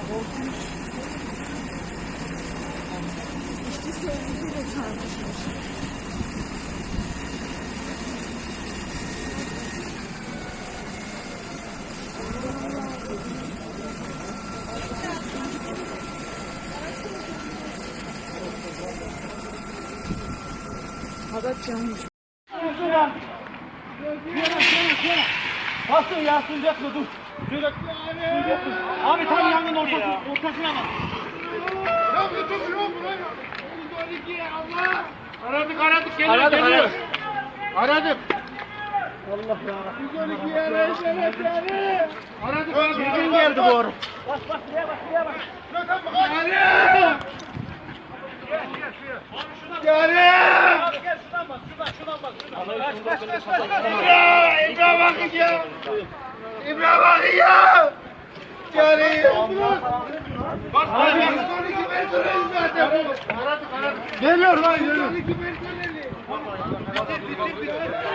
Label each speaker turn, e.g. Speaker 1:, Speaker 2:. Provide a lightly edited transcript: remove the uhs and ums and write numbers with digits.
Speaker 1: Korkunç. İşte sevgisiyle çarpışmış. Hadat yanmış.
Speaker 2: Bastın ya, sığacak mı? Dur. Sığacak. Abi tam yangın ortasına bak.
Speaker 3: Ya götür yok buraya. 12 Allah. Aradık geliyor. Aradık.
Speaker 2: Allah ya.
Speaker 3: 112 evet yani. Aradık.
Speaker 2: Düzgün geldi bu arada.
Speaker 3: Bak şuraya bak. Yani.
Speaker 2: Gel şuradan bak.
Speaker 3: Ya İbrahim bakın ya. İbrahim bakın ya. Yani. Bak 112 personeli zaten bu. Aradık.
Speaker 2: Geliyor lan geliyor.
Speaker 3: 112 personeli.